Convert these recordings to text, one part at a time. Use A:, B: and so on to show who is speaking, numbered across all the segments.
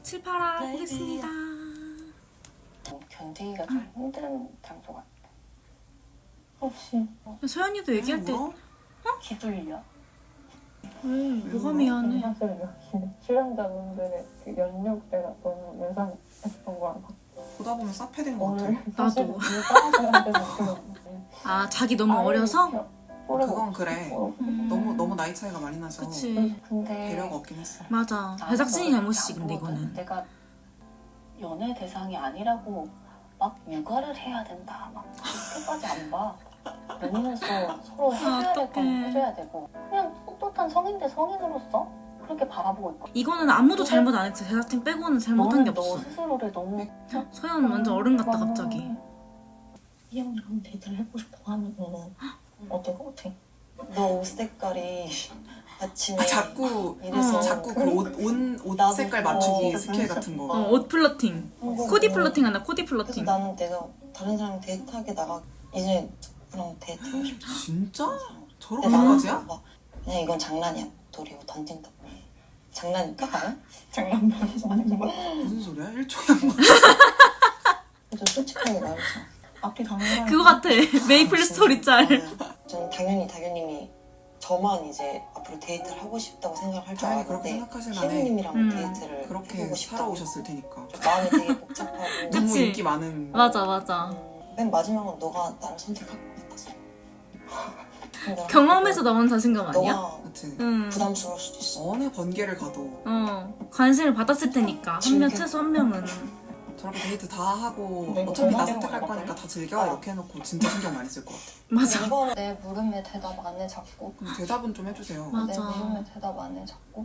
A: 칠파라 보겠습니다.
B: 견디기가 좀 힘든 장소 같아. 혹시
A: 소연이도 얘기할 때
B: 기둘려?
A: 왜? 뭐가 미안해?
C: 사실 여기 출연자분들의 그 연육대가 너무 예상했던 거야.
D: 보다 보면 쌉해된 것 같아.
A: 나도.
C: 사람들한테는
A: 아 자기 너무 어려서?
D: 그건 그래. 너무 나이 차이가 많이 나서
A: 그치.
B: 근데
D: 배려가 없긴 했어.
A: 맞아. 제작진이 잘못이지 근데 이거는.
B: 내가 연애 대상이 아니라고 막 육아를 해야 된다 막 그렇게까지 안 봐. 연인으로서 서로 해줘야 될 건 해줘야 되고 그냥 떳떳한 성인 대 성인으로서 그렇게 바라보고 있고.
A: 이거는 아무도 잘못 안 했어. 제작진 빼고는 잘못한 게
B: 너는 너
A: 없어.
B: 스스로를 너무
A: 소연 완전 어른 같다 갑자기.
C: 이 형이랑 데이트를 해보고 싶어 하면 어떨 것 같아?
E: 너 옷 색깔이 아침에
D: 자꾸
E: 이래서
D: 자꾸 그 옷 색깔 맞추기 스킬 같은 거.
A: 옷 플러팅. 코디 플러팅 한다. 코디
E: 그래서
A: 플러팅.
E: 나는 내가 다른 사람 데이트하게 나가 이제 누구랑 데이트하고 싶다.
D: 진짜? 저런
E: 근데 나는
D: 강아지야?
E: 막 그냥 이건 장난이야. 노리고 던진다. 장난일까?
C: 장난감이지 아닌 거.
D: 무슨 소리야? 1초에 한 번.
E: 좀 솔직하게 말해서.
C: 앞뒤 당연한
A: 그거 같아. 메이플 스토리 짤.
E: 저는 당연히 다교님이 저만 이제 앞으로 데이트를 하고 싶다고 생각할 줄
D: 당연히 그렇게
E: 알았는데
D: 생각하실 만해.
E: 희영님이랑 데이트를
D: 그렇게
E: 해보고 싶다고.
D: 살아오셨을 테니까.
E: 마음이 되게 복잡하고
D: 너무
A: 그치.
D: 인기 많은.
A: 맞아.
E: 맨 마지막은 너가 나를 선택할 것 같았어. 근데
A: 경험에서 나온 자신감 아니야?
E: 너가
D: 그치.
A: 응.
E: 부담스러울 수도 있어.
D: 어느 번개를 가도
A: 관심을 받았을 테니까 한 명 최소 한 명은.
D: 저렇게 데이트 다 하고
C: 네,
D: 어차피 나
C: 그거
D: 선택할
C: 해요.
D: 거니까 다 즐겨 이렇게 해놓고 진짜 신경 많이 쓸 것 같아.
A: 맞아.
E: 이거는
F: 내 물음에 대답 안 해 자꾸.
D: 그럼 대답은 좀 해주세요.
A: 맞아.
F: 내 물음에 대답 안 해 자꾸.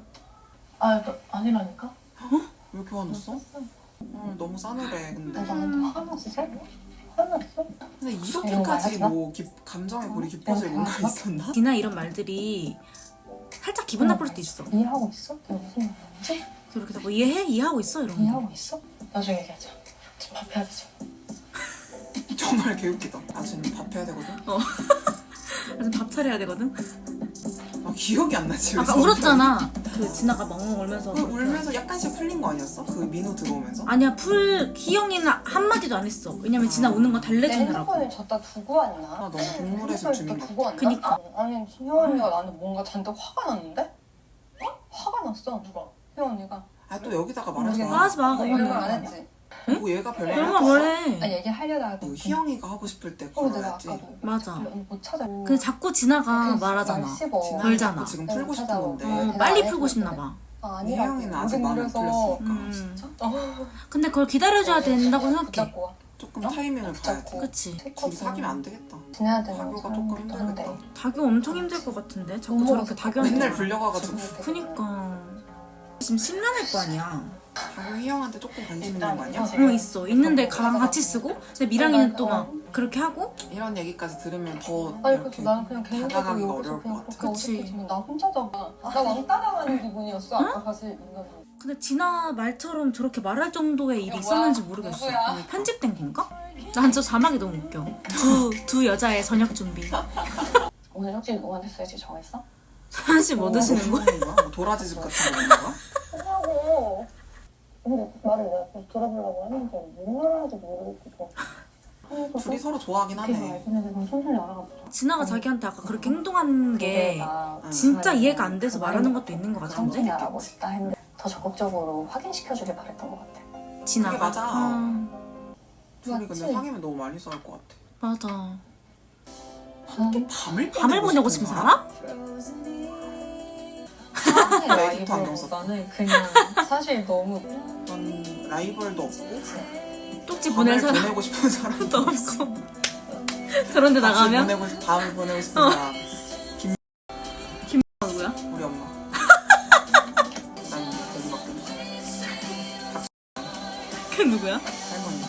C: 아니라니까?
D: 왜 이렇게 화났어? 너무 싸늘해 근데.
F: 너 나한테 화났어? 화났어?
D: 근데 이렇게까지 뭐 감정의 골이 깊어질 뭔가 있었나?
A: 디나 이런 말들이 살짝 기분 나쁠 수도 있어.
F: 이해하고 있어? 내가 무슨 말인지?
A: 저렇게 뭐 이해해? 이해하고 있어? 이런 거.
F: 이해하고 있어? 나중에 얘기하자. 지금 밥 해야 되지.
D: 정말 개웃기다. 나 지금 밥 해야 되거든?
A: 아직 밥 차려야 되거든?
D: 아 기억이 안 나지.
A: 아까 울었잖아. 그 진아가 멍멍 울면서.
D: 울면서 약간씩 풀린 거 아니었어? 그 민호 들어오면서?
A: 아니야 희영이는 한마디도 안 했어. 왜냐면 진아 우는 거
F: 내
A: 달래주느라고.
F: 핸드폰을 줬다 두고 왔나?
D: 아 너무 동물의 숲 주민 같아.
F: 두고 왔나?
A: 그니까.
F: 아니 희영 언니가 나한테 뭔가 잔뜩 화가 났는데? 화가 났어 누가? 희영 언니가.
D: 아 또 여기다가 말하지 마.
A: 말하지 마
F: 너 이런
A: 그거는.
F: 말안 했지?
D: 뭐 얘가 별말
A: 얼마
D: 없어.
A: 뭐래.
F: 아니 얘기하려다가
D: 그 희영이가 하고 싶을 때
F: 내가
D: 걸어야지.
F: 아까도
A: 맞아.
F: 못 찾아.
A: 근데 자꾸 진아가 말하잖아. 걸잖아.
D: 지금 풀고 싶은 건데.
A: 빨리 풀고 싶나 봐.
F: 아니라고.
D: 희영이는 아직 마음이 안 풀렸으니까.
A: 진짜? 근데 그걸 기다려줘야 된다고 생각해.
F: 붙잡고 와.
D: 조금 타이밍을 봐야지.
A: 그치.
D: 둘이 사귀면 안 되겠다.
F: 지내야 되는
D: 다교가 조금 힘들겠다.
A: 다교 엄청 힘들 것 같은데? 자꾸 저렇게 다교한테.
D: 맨날 불려가가지고.
A: 그니까. 지금 심란할 거 아니야.
D: 다교 희영한테 조금 관심 있는 거 아니야?
A: 있어. 있는데 가방 같이 쓰고. 근데 미랑이는 또 막 그렇게 하고.
D: 이런 얘기까지 들으면 더
F: 아니
D: 이렇게
F: 그래서 나는 그냥 개인적으로
D: 다가가기가
F: 여기서
D: 어려울
F: 그냥
D: 것 같아.
F: 그렇게
A: 그치.
F: 어색해지면 나 혼자다가 나 왕따당하는 기분이었어 아까 사실 인간이.
A: 근데 진아 말처럼 저렇게 말할 정도의 일이 있었는지 모르겠어.
F: 누구야?
A: 아니, 편집된 건가? 난 저 자막이 너무 웃겨. 두 여자의 저녁 준비.
F: 오늘 혹시 누구한테 쓸지 정했어?
A: 사실 뭐 드시는 거야?
D: 뭐 도라지즙 같은 거 있는
F: 하고
C: 근데 말을 내가 좀 들어보려고 했는데 뭔 말하는지 모르겠고
D: 둘이 서로 좋아하긴 하네.
C: 그럼 천천히 알아가보자.
A: 진아가 자기한테 아까 그렇게 행동한 게
F: 나
A: 진짜 이해가 안 돼서 말하는 것도 있는 것
F: 천천히
A: 같은데?
F: 알아보고 싶다 했는데 더 적극적으로 확인시켜주길 바랬던 것 같아.
A: 진아가.
D: 그게 맞아. 둘이
F: 맞지?
D: 근데 사귀면 너무 많이 싸울 것 같아.
A: 맞아.
D: 함께 밤을
A: 밤을 보내고 싶은 사람?
F: 사랑의
D: 에디트 안경 썼다.
F: 라이벌보다는 그냥 사실 너무
D: 넌 라이벌도 없고
A: 쪽지 보낼
D: 밤을
A: 사람
D: 보내고 싶은 사람도
A: 도 없고. 저런데 나가면?
D: 밤을 보내고 싶은 사람
A: 누구야?
D: 우리 엄마. 난 거기밖에 없어.
A: 걔 누구야?
D: 할머니.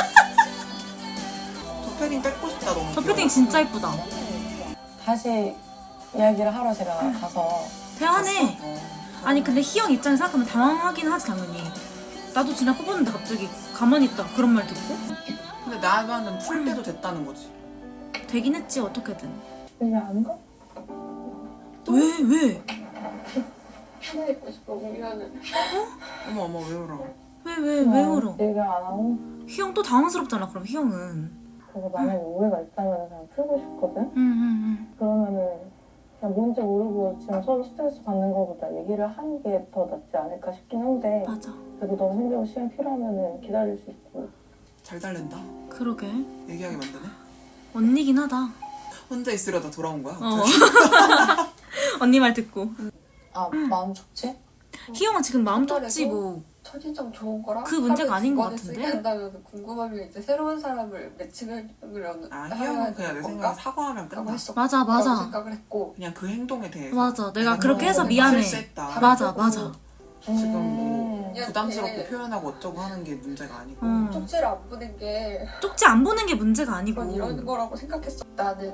D: 저 패딩 뺏고 싶다 너무.
A: 저
D: 귀여워.
A: 패딩 진짜 이쁘다.
C: 다시 이야기를 하러 제가 가서
A: 대단해. 아니 근데 희영 입장에서 생각하면 당황하긴 하지 당연히. 나도 진아 뽑았는데 갑자기 가만히 있다가 그런 말 듣고?
D: 근데 나면은 풀 때도 됐다는 거지.
A: 되긴 했지 어떻게든.
C: 그냥 안 가?
A: 왜?
C: 하나 있고 싶어. 미안해.
D: 어머 어머 왜 울어?
A: 왜 울어?
C: 얘기 안 하고
A: 희영 또 당황스럽잖아. 그럼 희영은.
C: 그거 만약에 오해가 있다면 그냥 풀고 싶거든?
A: 응.
C: 그러면은 그냥 뭔지 모르고 지금 서로 스트레스 받는 것보다 얘기를 하는 게 더 낫지 않을까 싶긴 한데
A: 맞아.
C: 그래도 너무 힘들고 시간 필요하면은 기다릴 수 있고
D: 잘 달랜다.
A: 그러게.
D: 얘기하게 만드네.
A: 언니긴 하다.
D: 혼자 있으려다 돌아온 거야?
A: 어. 언니 말 듣고.
E: 아 마음 좋지?
A: 희영은 지금 마음 좁지 뭐.
G: 첫인상 좋은 거랑
A: 그 문제가
G: 하루에
A: 아닌 것
G: 두 번을
A: 같은데?
G: 쓰게 한다면 궁금하면 이제 새로운 사람을 매칭하려는
D: 아 희영은 그냥 내 생각에 사과하면 끝나.
A: 맞아 맞아.
G: 생각을 했고
D: 그냥 그 행동에 대해서.
A: 맞아. 내가 그렇게 해서 미안해.
D: 실수했다.
A: 맞아 맞아.
D: 지금 뭐
G: 이렇게
D: 부담스럽게 표현하고 어쩌고 하는 게 문제가 아니고.
G: 쪽지를 안 보낸 게
A: 쪽지 안 보는 게 문제가 아니고.
G: 그건 이런 거라고 생각했어. 나는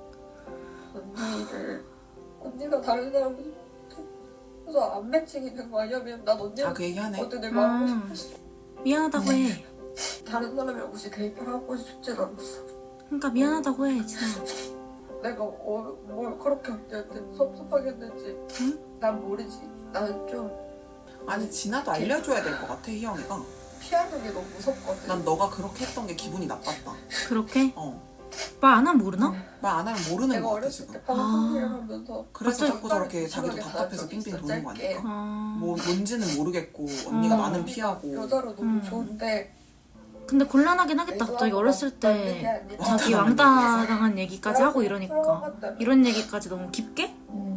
G: 언니가 다른 사람을 그래서 안 매칭이 된 거 아니야? 왜냐면 난 언니랑
D: 그 얘기 하네.
G: 어때 내가 하고 싶었어.
A: 미안하다고 해.
G: 다른 사람이랑 굳이 데이트를 하고 싶지도 않았어.
A: 그러니까 미안하다고 해 진아.
G: 내가 뭘 그렇게 언니한테 섭섭하게 했는지 난 모르지. 나는 좀
D: 아니 진아도 알려줘야 될 것 같아 희영이가.
G: 피하는 게 너무 무섭거든.
D: 난 너가 그렇게 했던 게 기분이 나빴다.
A: 그렇게?
D: 어.
A: 말 안 하면 모르나?
D: 말 안 하면 모르는
G: 내가
D: 것 같아
G: 어렸을
D: 지금.
G: 때 방송일을 하면서
D: 그래서
A: 갑자기
D: 자꾸 저렇게
G: 오빠를
D: 자기도
G: 이상하게
D: 답답해서
G: 받은 적이
D: 빙빙
G: 있어,
D: 도는 거
G: 짧게.
D: 아닐까?
A: 아.
D: 뭔지는 모르겠고 언니가
A: 어.
D: 나는 피하고.
G: 여자로 너무
A: 음.
G: 좋은데
A: 근데 곤란하긴 하겠다. 갑자기 어렸을 때 자기 왕따 당한 얘기까지 하고 이러니까. 이런 얘기까지 너무 깊게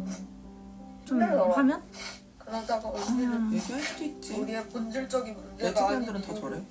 A: 좀 하면?
G: 그러다가 언니는
D: 얘기할 수도 있지.
G: 우리의 본질적인 문제가
D: 레즈비언들은
G: 아닌
D: 다 저래.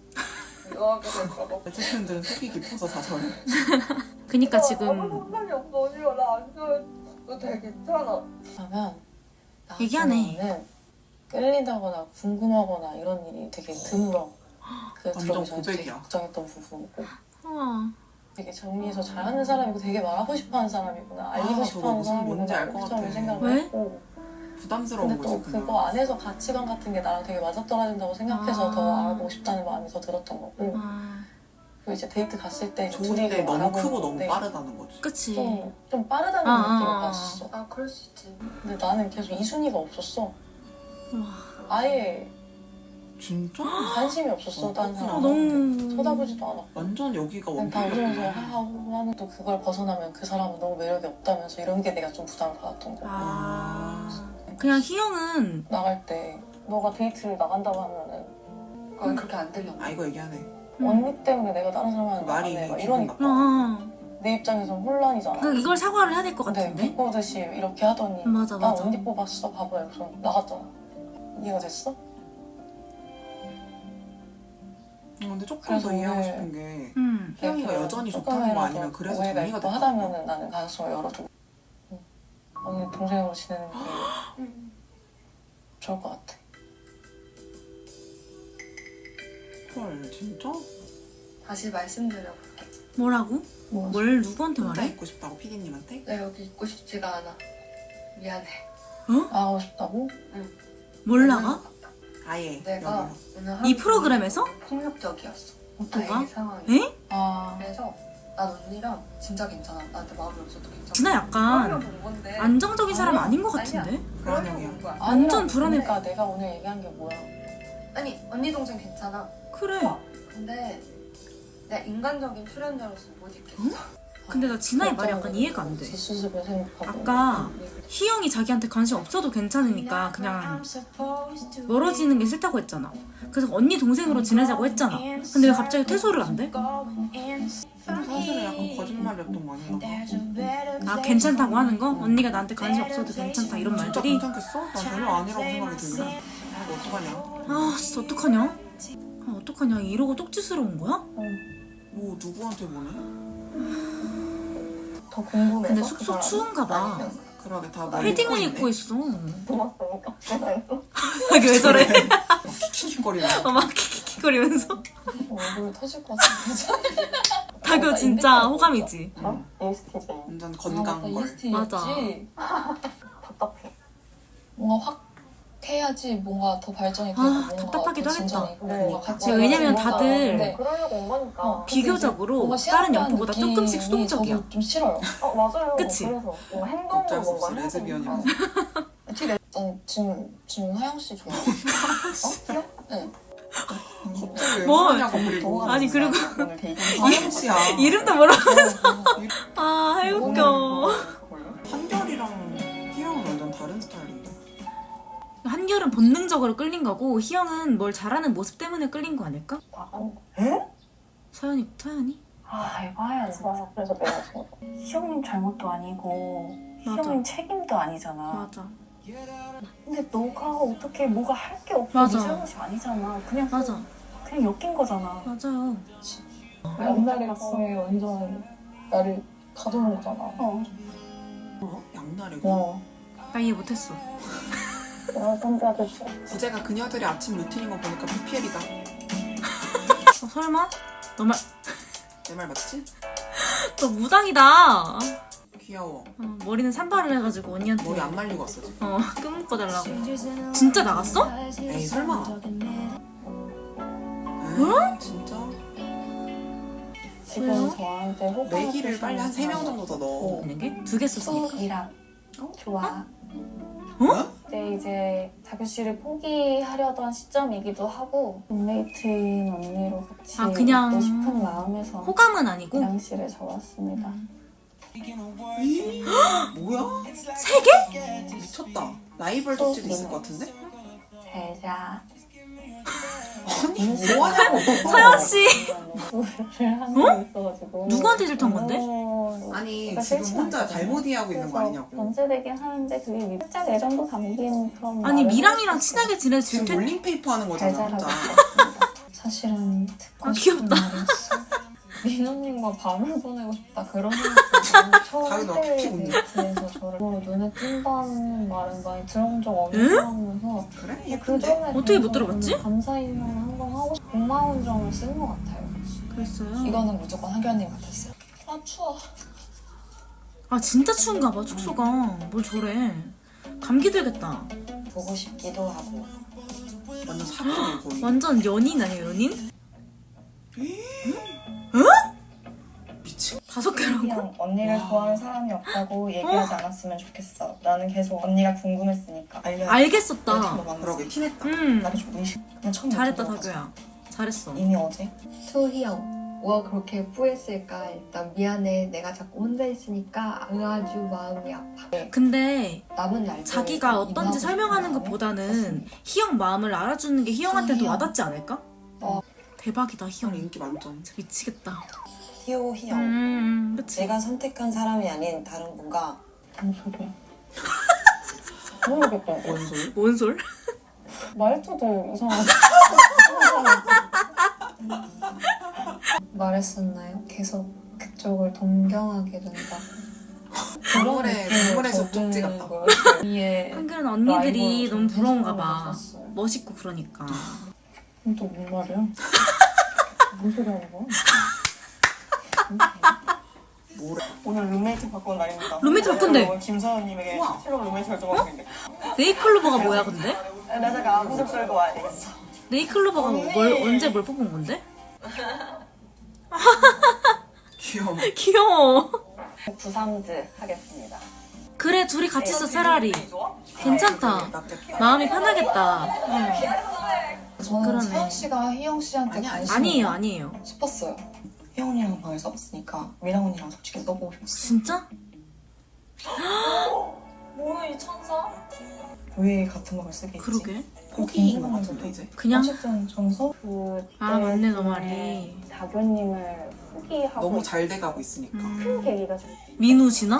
G: 유하게 될까봐.
D: 레즈비언들은 속이 깊어서 다 저래.
A: 그니까
G: 아무
A: 지금
G: 상관이 없어. 언니가 나 안 좋아해. 너 되게 괜찮아.
E: 그러면
A: 얘기하네.
E: 나한테는 끌리다거나 궁금하거나 이런 일이 되게 드물어. 그
D: 완전
E: 들어오기 전에 되게
D: 고백이야.
E: 걱정했던 부분이고
A: 아,
E: 되게 정리해서 잘하는 사람이고 되게 말하고 싶어하는 사람이구나 알리고
D: 저거
E: 싶어하는
D: 무슨 뭔지 알 것
E: 처음에
D: 같아.
E: 생각을
A: 왜?
E: 했고
D: 부담스러운
E: 근데 또
D: 거지
E: 그거
D: 그냥.
E: 안에서 가치관 같은 게 나랑 되게 맞아떨어진다고 생각해서
A: 아.
E: 더 알아보고 싶다는 마음이 더 들었던 거고
A: 아,
E: 그리고 이제 데이트 갔을 때 이제 둘이
D: 좋은데
E: 뭐
D: 너무
E: 알아보는
D: 크고 너무
E: 건데
D: 빠르다는 거지.
A: 그치.
E: 좀 빠르다는
A: 아,
E: 느낌을
A: 아, 아.
E: 받았어
G: 아 그럴 수 있지.
E: 근데 나는 계속 이순위가 없었어
A: 와,
E: 아예
D: 진짜?
E: 관심이 없었어 다른
D: 그렇구나.
E: 사람한테
A: 너무
E: 쳐다보지도 않았고
D: 완전 여기가
E: 그냥 다 웃으면서
D: 원픽이었구나.
E: 하하호 하는 또 그걸 벗어나면 그 사람은 너무 매력이 없다면서 이런 게 내가 좀 부담을 받았던 거야
A: 아, 그냥 희영은
E: 나갈 때 너가 데이트를 나간다고 하면은
G: 그건 그렇게 안 들려.
D: 아 이거 얘기하네.
E: 언니 때문에 내가 다른
D: 그
E: 사람한테
D: 말이
E: 나가네 막
D: 기분
E: 이러니까
A: 어,
E: 내 입장에선 혼란이잖아
A: 그 이걸 사과를 해야 될 것
E: 근데
A: 같은데.
E: 비꼬듯이 이렇게 하더니
A: 맞아
E: 나
A: 맞아.
E: 언니 뽑았어 바보야 그래서 나갔잖아 이해가 됐어?
D: 근데 조금
E: 그래서
D: 더 이해하고
E: 오늘-
D: 싶은 게
A: 응.
D: 희영이가 여전히 좋다는 거 아니면 그래서
E: 오해가
D: 정리가
E: 있고
D: 됐다.
E: 하다면은 나는 가능성을 열어두고 언니 동생으로 지내는 게 좋을 것 같아
D: 헐 진짜?
G: 다시 말씀드려볼게.
A: 뭐라고?
E: 뭐
A: 뭘 누구한테
D: 혼자
A: 말해?
D: 있고 싶다고 피디님한테?
G: 나 여기 있고 싶지가 않아. 미안해.
E: 나가고 싶다고?
A: 뭘 나가?
D: 아예
G: 내가
D: 여기서.
G: 오늘
A: 이
G: 하루
A: 프로그램에서?
G: 폭력적이었어.
A: 뭐가?
G: 나의 상황이.
A: 에?
E: 아
G: 그래서 난 언니랑 진짜 괜찮아. 나한테 마음이 없어도 괜찮아.
A: 진아 약간
G: 본 건데.
A: 안정적인 사람
G: 아니야.
A: 아닌 것
G: 아니야.
A: 같은데?
G: 그러려고
D: 불안형이야.
G: 온 거야.
A: 완전
E: 아니라
A: 불안해.
E: 그러니까 내가 오늘 얘기한 게 뭐야
G: 아니 언니 동생 괜찮아.
A: 그래.
G: 근데 내가 인간적인 출연자로서 못 있겠어.
A: 근데 나 진아의 말이 약간 이해가 안 돼.
E: 뒷수습을 생각하고
A: 아까 희영이 자기한테 관심 없어도 괜찮으니까 그냥 멀어지는 게 싫다고 했잖아. 그래서 언니 동생으로 지내자고 했잖아. 근데 왜 갑자기 퇴소를 안 돼?
D: 근데 사실은 약간 거짓말이었던 거 아닌가?
A: 아 괜찮다고 하는 거? 언니가 나한테 관심 없어도 괜찮다 이런
D: 진짜
A: 말들이?
D: 괜찮겠어? 난 전혀 아니라고 생각이 들긴 해. 아 이거 어떡하냐?
A: 아 진짜 어떡하냐? 아 어떡하냐 이러고 쪽지스러운 거야?
D: 뭐 누구한테 보내?
E: 더 궁금해서
A: 근데
E: 그
A: 숙소
E: 사람이
A: 추운가 봐.
D: 그러게 다
A: 패딩을 입고 있어.
C: 고맙으니까 그래서
A: 자기 왜 저래?
D: 킥킥거리는
A: 막 킥킥거리면서.
E: 얼굴 터질 것 같은데
A: 다교 진짜 호감이지.
C: 어? ESTJ
D: 완전 건강걸.
A: 맞아.
C: 답답해
F: 뭔가 확 해야지 뭔가 더 발전이 되고
A: 아,
F: 뭔가
A: 답답하기도
F: 더 진전이
A: 하겠다.
F: 있고
C: 네.
F: 뭔가 같이
A: 왜냐면
F: 뭔가
A: 다들
F: 네.
C: 그러려고 온 거니까
A: 비교적으로
F: 뭔가
A: 다른
F: 시한다는
A: 연포보다 조금씩
F: 느낌이
A: 수동적이야.
F: 저도 좀 싫어요.
C: 맞아요
A: 그치?
C: 그래서 뭔가 행동으로
D: 어쩔 수
C: 뭔가
D: 없이
C: 해야
D: 레즈비언이라서.
C: 되니까.
F: 뒤에 난 지금 하영 씨 좋아. 귀여워? 네.
D: 갑자기 왜
A: 뭐?
D: 그러냐고 그리고
A: 아니, 그리고
F: 오늘 데이트.
D: 하영 씨야.
A: 이름도 모르면서 아 웃겨.
D: 한결이랑 희영은 완전 다른 스타일인데.
A: 한결은 본능적으로 끌린 거고 희영은 뭘 잘하는 모습 때문에 끌린 거 아닐까? 서연이?
B: 아 에바야 진짜.
C: 그래서 내가 지금
B: 희영님 잘못도 아니고
A: 맞아.
B: 희영님 책임도 아니잖아.
A: 맞아.
B: 근데 너가 어떻게 뭐가 할 게 없어.
A: 맞아.
B: 네 잘못이 아니잖아. 그냥
A: 맞아.
B: 그냥 엮인 거잖아.
A: 맞아요.
C: 옛날에 갔으면 완전 나를 가져온 거잖아.
B: 어.
D: 양날이고.
A: 나 이해 못했어.
C: 내가 선배한테 진짜
D: 부제가 그녀들의 아침 루틴인 거 보니까 PPL이다.
A: 설마? 너 말,
D: 내 말 맞지?
A: 너 무당이다.
D: 귀여워.
A: 머리는 산발을 해가지고 언니한테
D: 머리 안 말리고 왔어 지금.
A: 끈 묶어달라고. 진짜 나갔어?
D: 에이 설마. 진짜?
C: 지금
A: 왜요?
C: 저한테 호감
D: 내기를 빨리 한 3명 정도 더 넣어.
A: 있는 게? 2개 썼으니까.
B: 수이랑 좋아.
C: 그때 이제 다교 씨를 포기하려던 시점이기도 하고 룸메이트인 언니로 같이
A: 아, 그냥
C: 있고 싶은 마음에서
A: 호감은 아니고?
C: 화장실에 적었습니다.
D: 뭐야?
A: 3개?
D: 미쳤다. 라이벌 덕질이 있을 것 같은데?
C: 잘자
D: 아니 뭐하냐고.
A: 서연씨!
C: 술을 하는 게 있어가지고
A: 누구한테 질투한 건데?
D: 아니
C: 그러니까
D: 지금
C: 싫지는
D: 혼자
C: 않잖아요.
D: 잘못 이해하고 있는 거
C: 그래서
D: 아니냐고.
C: 변제되긴 하는데 그게 살짝 애정도 담긴 그런
A: 아니
C: 말을
A: 미랑이랑
C: 하고
A: 친하게 지내서
D: 지금
A: 질투
D: 롤링페이퍼 하는 거잖아
C: 잘
D: 혼자.
C: 자라고 있었습니다. 사실은 듣고
A: 아,
C: 싶은
A: 귀엽다.
C: 말이었어. 민호님과 밤을 보내고 싶다 그런 생각이 처음
D: 다은아, 피피 웃네.
C: 데이트에서 저를 눈에 띈다는 말은 많이 들어본 적 없는 사람이면서
D: 그래?
C: 그
D: 예쁜데?
C: 점에
A: 어떻게 못
C: 대해서
A: 들어봤지?
C: 너무 감사의문 한번 하고 고마운 점을 쓴 것 같아요.
A: 그랬어요?
F: 이거는 무조건 한결님 같았어요. 아 추워.
A: 아 진짜 추운가 봐 축소가. 뭘 저래. 감기 들겠다.
E: 보고 싶기도 하고.
D: 완전 사기네 거의.
A: 완전 연인 아니에요 연인?
D: 미친.
A: 5개라고?
H: 그냥 언니를 좋아하는 사람이 없다고 얘기하지 않았으면 좋겠어. 나는 계속 언니가 궁금했으니까.
A: 알겠었다.
D: 그러게 티냈다.
H: 나도 좀 의식. 그냥 처음
A: 잘했다
H: 느낀 거
A: 다교야. 잘했어.
H: 이미 어제
G: 소희영, 뭐가 그렇게 후회했을까? 일단 미안해. 내가 자꾸 혼자 있으니까 아주 마음이 아파.
A: 근데
G: 남은 날
A: 자기가 어떤지 설명하는 것보다는 희영 마음을 알아주는 게 희영한테도 와닿지 않을까? 대박이다 희영.
D: 인기 만점.
A: 진짜 미치겠다.
E: 희호, 희영.
A: 그치.
E: 내가 선택한 사람이 아닌 다른 분과
C: 무슨 소리야? 모르겠다.
D: 뭔 소리?
A: 뭔 솔?
C: 말투도 이상하고
G: 말했었나요? 계속 그쪽을 동경하게 된다.
D: 동물에서 쪽지 같다.
C: 위에
A: 한글은 언니들이
C: 라이벌
A: 너무 부러운가 봐.
C: 줬어요.
A: 멋있고 그러니까.
C: 또 뭔 말이야? 뭔 소리 하는 거야?
D: 뭐래?
H: 오늘 룸메이트 바꾼 날입니다.
A: 룸메이트 바꾼대.
H: 김서연님에게
D: 우와.
H: 새로운 룸메이트 결정하고 있는데.
A: 네이클로버가 뭐야 근데?
H: 나 잠깐 아무도 썰고 와야 되겠어.
A: 네이클로버가 언제 뭘 뽑은 건데?
D: 귀여워.
A: 귀여워.
H: 93즈 하겠습니다.
A: 그래 둘이 같이 있어 차라리.
H: 좋아?
A: 괜찮다.
D: 낫겠다.
A: 마음이 편하겠다.
F: 저는
A: 그러네.
F: 서영 씨가 희영 씨한테
D: 아니야,
F: 관심
A: 아니에요 아니에요.
F: 싶었어요.
H: 혜영 언니랑 방을 써봤으니까 미랑 언니랑 솔직히 써보고 싶었어.
A: 진짜?
H: 뭐야 이 천사? 왜 같은 방을 쓰게 했지?
A: 그러게.
D: 포기인 것 같은데 이제.
A: 그냥
F: 어쨌든 전서
A: 아 맞네 너 말이.
C: 다교님을 포기하고
D: 너무 잘 돼가고 있으니까.
C: 큰 계기가 좀
A: 민우 지나?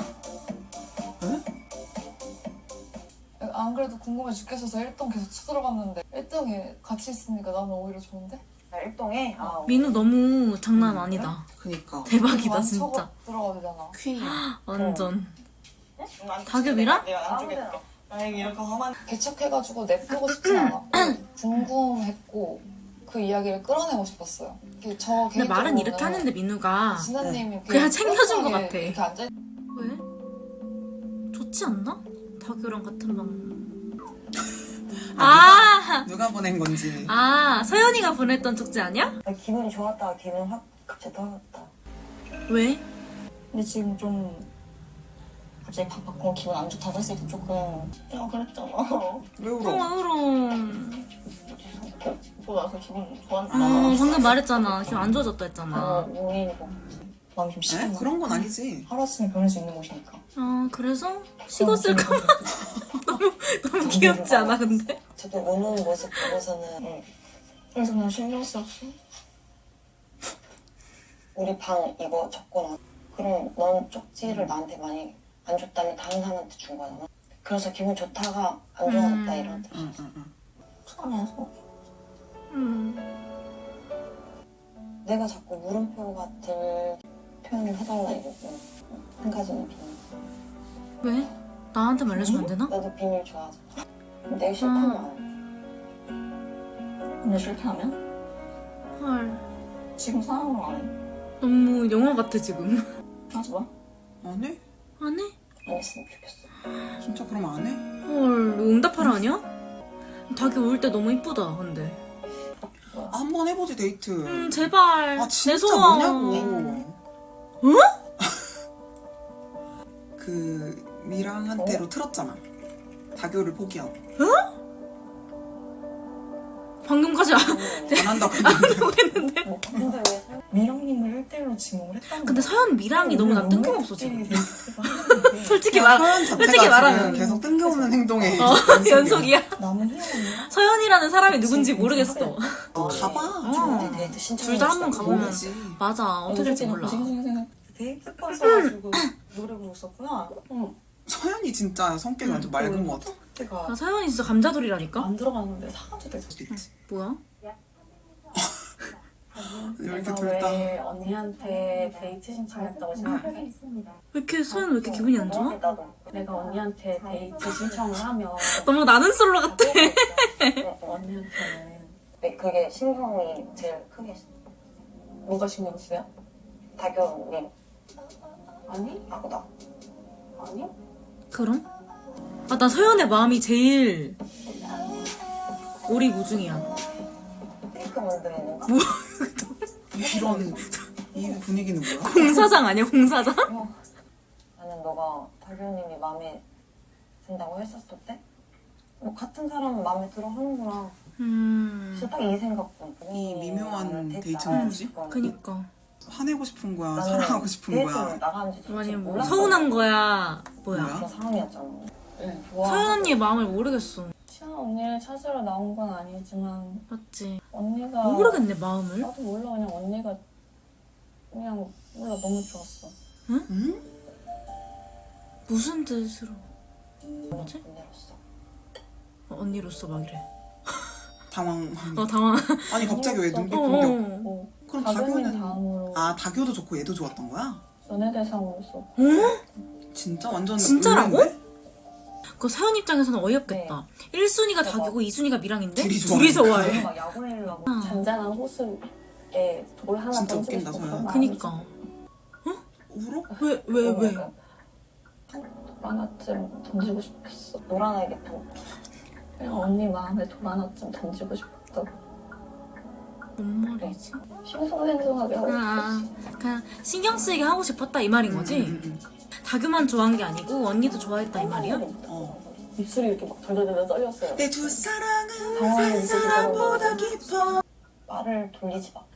F: 안 그래도 궁금해 죽겠어서 1동 계속 쳐들어갔는데 1동에 같이 있으니까 나는 오히려 좋은데?
H: 나 1동에
A: 민우 너무 장난 아니다.
D: 그니까.
A: 대박이다 진짜.
F: 들어가야 되잖아.
D: 퀸이야.
A: 완전. 다급이랑?
H: 내가 안 주겠게. 만약에 이렇게 험한
F: 개척해가지고 내보고 싶진 않았고 궁금했고 그 이야기를 끌어내고 싶었어요. 저
A: 근데 말은
F: 개인적으로는
A: 이렇게 하는데 민우가
F: 진아님이
A: 그냥 챙겨준 것
F: 뻘쭘하게
A: 같아.
F: 이렇게 앉아
A: 왜? 좋지 않나? 다교랑 같은 방. 아,
D: 누가 보낸 건지.
A: 아 서연이가 보냈던 쪽지 아니야?
E: 나 기분이 좋았다가 기분 확 갑자기 떨어졌다.
A: 왜?
H: 근데 지금 좀 갑자기 밥 받고 기분 안 좋다고 했을 때 조금 내가 그랬잖아.
D: 왜 울어?
A: 그럼.
H: 그러고 나서 기분 좋았나.
A: 방금 말했잖아. 기분 안 좋아졌다 했잖아.
H: 모이고 마음이 좀
D: 에?
H: 식었나.
D: 그런 건 아니지.
H: 하루아침에 변할 수 있는 곳이니까.
A: 그래서 식었을까? 너무 귀엽지 않아 근데?
E: 저도 우는 모습 보고서는
H: 그래서 그냥 신경 쓰였어.
E: 우리 방 이거 적고 나 그럼 넌 쪽지를 나한테 많이 안 줬다면 다른 사람한테 준 거잖아. 그래서 기분 좋다가 안 좋아졌다 이런 뜻.
D: 응.
H: 속상해서.
E: 내가 자꾸 물음표 같은 표현을 해달라 이러고 한 가지는 비밀.
A: 왜? 나한테 말해주면 안 되나?
E: 나도 비밀 좋아하잖아. 내가 싫다면 안 해.
H: 근데 싫게 하면?
A: 헐.
H: 지금 상황으로 안 해.
A: 너무 영화 같아 지금.
H: 하지 마.
D: 안 해?
A: 안 해?
E: 안 했으면 좋겠어.
D: 진짜 그럼 안 해?
A: 헐. 이거 응답하라 아니야? 닭이 올 때 너무 이쁘다 근데.
D: 한 번 해보지 데이트.
A: 제발.
D: 아 진짜
A: 내 소원.
D: 뭐냐고. 그 미랑한테로 틀었잖아. 다교를 포기하고.
A: 방금까지
D: 안 한다고 했는데.
E: 근데 왜 살?
H: 미랑님을 1대1로 지목을 했다는
A: 근데
H: 거야.
A: 서현 미랑이 너무 난 뜬금없어 지금. 솔직히
D: 그냥
A: 말
D: 서연 자체가
A: 솔직히 말하면.
D: 지금 계속 뜬금없는 행동에
A: 연속이야.
H: 남은 희원이야?
A: 서현이라는 사람이 누군지 모르겠어.
D: 너 가봐.
E: 좋은데 데이트 신청.
A: 둘 다 한 번 가보면
D: 모르지.
A: 맞아 어떻게 될지 몰라.
E: 데이트까지 해가지고 노래 부르셨구나.
D: 서연이 진짜 성격이 완전 맑은 것 같아.
E: 내가
A: 나 서현이 진짜 감자돌이라니까.
E: 안 들어갔는데 사가지고 됐어.
D: 수도 있지.
A: 뭐야?
D: 왜 이렇게
C: 내가
D: 둘다
C: 왜 언니한테 데이트 신청했다고 생각해?
A: 왜 이렇게 서현 왜 이렇게 기분이 안 좋아?
E: 나도.
C: 내가 언니한테 데이트 신청을 하면
A: 너무 나는 솔로 같아.
C: 언니한테는
E: 네, 그게 신경이 제일 크게
C: 뭐가 신경 쓰여?
E: 다교님
C: 아니?
E: 하고 나.
C: 아니?
A: 그럼? 나 서현의 마음이 제일 오리무중이야.
E: 케이크 만드는 건가?
D: 이런 이 분위기는 뭐야?
A: 공사장 아니야 공사장?
E: 나는 너가 다교님이 마음에 든다고 했었을 때 뭐 같은 사람은 마음에 들어 하는구나. 진짜 딱 이 생각뿐.
D: 이 미묘한 데이트는
E: 나가고
D: 뭐지?
E: 싶어.
A: 그니까
D: 화내고 싶은 거야?
E: 나는
D: 사랑하고 싶은
E: 데이트를
D: 거야?
E: 나가는지
A: 아니 뭐
E: 몰랐어.
A: 서운한 거야 뭐야?
D: 뭐야?
E: 그런 상황이었잖아. 응.
A: 서현 언니의 마음을 모르겠어.
F: 시아 언니를 찾으러 나온 건 아니지만
A: 맞지?
F: 언니가
A: 모르겠네 마음을.
F: 나도 몰라. 그냥 언니가 그냥 몰라 너무 좋았어.
D: 응?
A: 무슨 뜻으로? 뭐지?
E: 언니로서.
A: 언니로서 막 이래.
D: 당황.
A: 당황.
D: 아니 갑자기 왜 눈빛
A: 어,
D: 공격?
F: 뭐
D: 그럼
F: 다교님
D: 다교는
F: 다음으로
D: 아 다교도 좋고 얘도 좋았던 거야?
F: 연예대상으로서
D: 진짜 완전
A: 진짜라고?
D: 의외인데?
A: 그 서현 입장에서는 어이없겠다. 1순위가 닭이고 2순위가 미랑인데
D: 둘이
A: 둘이
D: 좋아해.
A: 좋아해.
E: 막 야구하려고.
F: 잔잔한 호수에 돌 하나
D: 진짜
F: 던지고
D: 웃긴다,
F: 싶어.
D: 서연.
A: 그니까.
D: 울어?
A: 왜?
F: 돌 하나쯤 던지고 싶었어.
E: 노란알겠다.
F: 그냥 언니 마음에 돌 하나쯤 던지고 싶었다고.
A: 뭔 말이지?
F: 싱숭생숭하게 하고 싶었어.
A: 그냥 신경 쓰이게 하고 싶었다 이 말인 거지? 다규만 좋아한 게 아니고 언니도 좋아했다 이 말이야?
F: 입술이 이렇게 막 덜덜덜 떨렸어요.
D: 내 두 사랑은
F: 당황하게
D: 한 사람보다
F: 느껴지더라고요.
D: 깊어.
E: 말을 돌리지 마.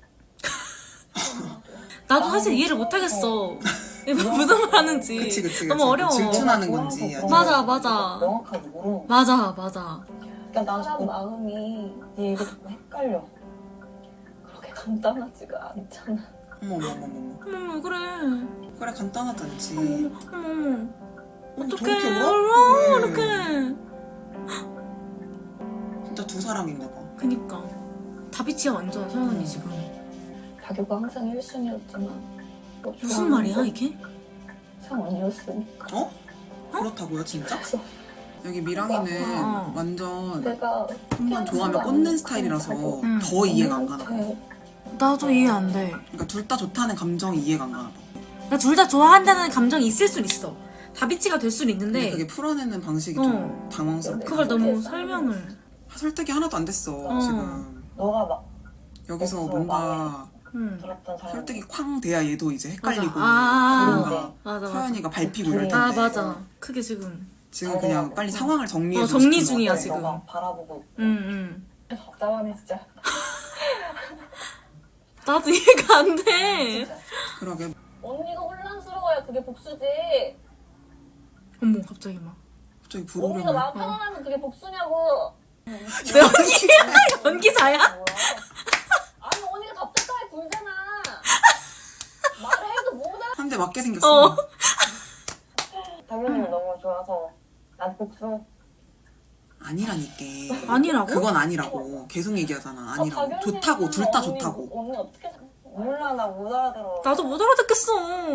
A: 나도 사실 이해를 못하겠어. 무슨 말 하는지.
D: 그치.
A: 너무 어려워.
D: 질투나는 건지. 아니면
A: 맞아.
E: 명확하게 모르는 거야.
A: 맞아.
E: 그러니까 난
F: 사람
E: 자꾸
F: 마음이
E: 네 얘기 듣고 헷갈려.
F: 그렇게 간단하지가 않잖아.
D: 어머.
A: 어머 그래.
D: 그래 간단하잖지.
A: 어머.
D: 저렇게
A: 어떡해.
D: 울어? 왜?
A: 이렇게.
D: 진짜 두 사랑인가 봐.
A: 그니까. 다비치야 완전 서현 언니 지금.
F: 다교가 항상 1순위였지만 뭐
A: 무슨 말이야 이게?
F: 상 언니였으니까.
D: 어? 그렇다고요 진짜?
F: 그래서
D: 여기 미랑이는
A: 어.
D: 완전
F: 내가
D: 한 번 좋아하면 꽂는 스타일이라서 더 이해가 안 가나 봐.
A: 나도 이해 안 돼.
D: 그러니까 둘 다 좋다는 감정이 이해가 안 가나 봐.
A: 그러니까 둘 다 좋아한다는 감정이 있을 순 있어. 다비치가 될 순
D: 근데
A: 있는데
D: 그게 풀어내는 방식이 좀 당황스럽다.
A: 그걸 너무 설명을.
D: 설득이 하나도 안 됐어 지금.
E: 너가 막
D: 여기서
E: 없어,
D: 뭔가
E: 들었던 사람.
D: 설득이 쾅 돼야 얘도 이제 헷갈리고
A: 아,
D: 뭔가
A: 맞아.
D: 서연이가 밟히고 이럴 텐데
A: 아, 맞아. 크게 지금.
D: 지금 그냥 빨리 상황을 정리해
A: 정리
D: 주고 싶은
A: 중이야,
D: 것 같아.
A: 지금.
E: 너가 바라보고 있고.
C: 답답하네 진짜.
A: 나도 이해가 안 돼.
D: 그러게
B: 언니가 혼란스러워야 그게 복수지.
A: 어머, 갑자기 막.
D: 갑자기
B: 언니가
D: 부르려면
B: 마음 편안하면 그게 복수냐고.
A: 연기자야?
B: 아니 언니가 답답하게 굴잖아. 말을 해도 못 알아.
D: 한 대 맞게 생겼어.
E: 당연히 너무 좋아서 난 복수.
D: 아니라니까.
A: 아니라고?
D: 그건 아니라고. 계속 얘기하잖아. 아니라고. 좋다고. 둘 다 좋다고.
B: 언니 어떻게 생각해?
E: 몰라 나 못 알아들어.
A: 나도 못 알아듣겠어.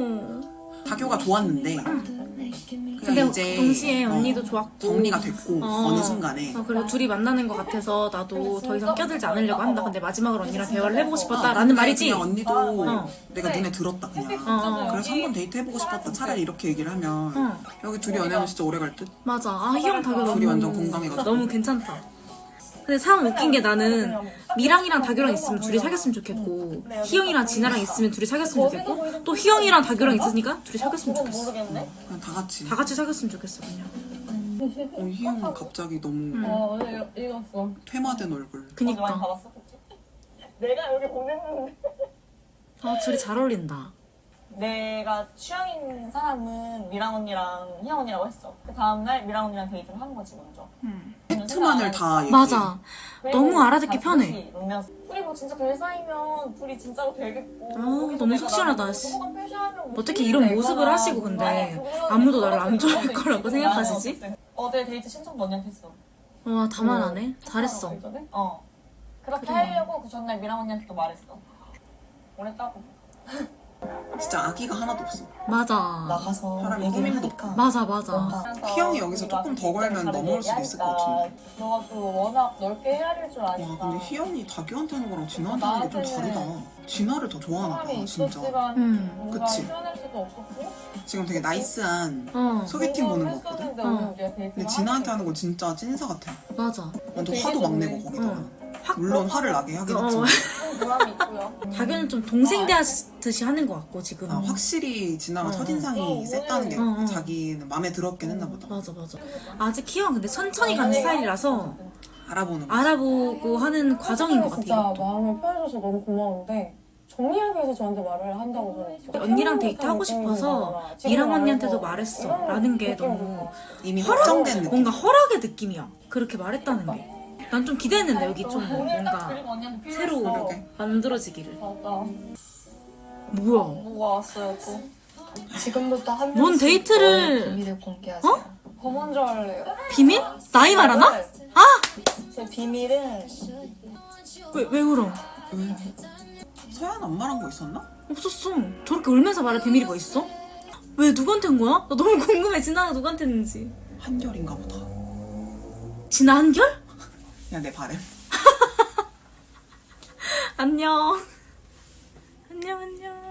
D: 다교가 좋았는데
A: 근데
D: 그냥 이제
A: 동시에 언니도 좋았고
D: 정리가 됐고 어느 순간에
A: 그리고 둘이 만나는 것 같아서 나도 더 이상 껴들지 않으려고 한다. 근데 마지막으로 언니랑 대화를 해보고 싶었다라는 말이지.
D: 그냥 언니도
A: 어.
D: 내가 눈에 들었다 그냥. 그래서 한번 데이트 해보고 싶었다. 차라리 이렇게 얘기를 하면 여기 둘이 연애하면 진짜 오래 갈 듯.
A: 맞아. 아, 희영 다교 너무
D: 둘이 완전 건강해가지고.
A: 너무 괜찮다. 근데 참 웃긴 게 나는 미랑이랑 다교랑 있으면 둘이 사귀었으면 좋겠고 희영이랑 진아랑 있으면 둘이 사귀었으면 좋겠고 또 희영이랑 다교랑 있으니까 둘이 사귀었으면 좋겠어.
E: 모르겠네.
D: 그냥 다 같이.
A: 다 같이 사귀었으면 좋겠어 그냥.
D: 희영은 갑자기 너무
F: 오늘 읽었어.
D: 퇴마된 얼굴.
E: 많이
A: 그니까.
E: 받았어, 그치? 내가 여기 보냈는데.
A: 아 둘이 잘 어울린다.
E: 내가 취향인 사람은 미랑 언니랑 희영 언니라고 했어. 그 다음날 미랑 언니랑 데이트를 한 거지 먼저.
D: 팩트만을 다 얘기해.
A: 맞아.
E: 그리고
A: 너무 알아듣기
E: 다시
A: 편해.
E: 울면서 우리 뭐 진짜 될 사이면 둘이 진짜로 되겠고.
A: 아,
E: 거기서
A: 너무
E: 내가
A: 속 시원하다,
E: 나를
A: 씨.
E: 소감 표시하면 뭐
A: 어떻게
E: 힘들다,
A: 이런 모습을
E: 이거나.
A: 하시고 근데
E: 아니,
A: 아무도 나를 안
E: 그거는
A: 좋아할 거라고 생각하시지?
E: 어제 데이트 신청도 언니한테 했어.
A: 와 다만 안 해? 잘했어.
E: 어. 그렇게
A: 그래.
E: 하려고 그 전날 미랑 언니한테도 말했어. 오랬다고.
D: 진짜 아기가 하나도 없어.
A: 맞아.
C: 나가서
D: 사람이
C: 얘기를
D: 꾸밈도
C: 하니까
A: 맞아 맞아.
C: 뭔가
D: 희영이 여기서 조금 더 걸면 넘어올 수도 있을 것 같은데.
E: 너가 또 워낙 넓게 헤아릴 줄 아니까.
D: 와 근데 희영이 다교한테 하는 거랑 진아한테 하는 게 좀 다르다. 진아를 더 좋아하나 봐 진짜.
E: 뭔가
D: 그치.
E: 표현할 수도 없었고.
D: 지금 되게 나이스한
A: 어
D: 소개팅 보는 거 같거든.
E: 했었는데
A: 어.
E: 오늘 우리가 데이트를
D: 근데 진아한테 하는 건 진짜 찐사 같아.
A: 맞아.
D: 완전 화도 막 내고 거기다가. 물론 화를 나게 하긴
A: 어.
D: 했지만
E: 좀 보람이 있고요.
A: 다교는 좀 동생 대하듯이 하는 것 같고 지금.
D: 확실히 진아가
A: 어.
D: 첫인상이 셌다는 게
A: 어.
D: 자기는 마음에 들었긴 했나 보다.
A: 맞아 맞아. 아직 희영 근데 천천히 가는 스타일이라서
D: 알아보는 거.
A: 알아보고 하는 과정인 것 같아.
C: 진짜
A: 이것도.
C: 마음을 표해줘서 너무 고마운데 정리하기 위해서 저한테 말을 한다고 저는
A: 언니랑 데이트하고 싶어서 미랑 언니한테도 말했어 라는 게 너무
D: 이미 확정된 느낌.
A: 뭔가 허락의 느낌이야. 그렇게 말했다는 게. 난 좀 기대했는데 여기 좀 뭔가
E: 그리고 언니한테
A: 새로
E: 필요했어.
A: 만들어지기를.
E: 맞아.
A: 뭐야?
E: 뭐가 왔어요 또.
H: 지금부터 한
A: 뭔
H: 명씩
A: 데이트를-
H: 저의 비밀을 공개하세요.
E: 더 먼저 할래요?
A: 비밀? 나이 말하나? 아!
E: 제 비밀은
A: 왜 울어?
D: 서연 안 말한 거 있었나?
A: 없었어. 저렇게 울면서 말할 비밀이 뭐 있어? 왜 누구한테 한 거야? 나 너무 궁금해. 진아가 누구한테 했는지.
D: 한결인가 보다.
A: 진아 한결?
D: 그냥 내 바램.
A: 안녕. 안녕 안녕.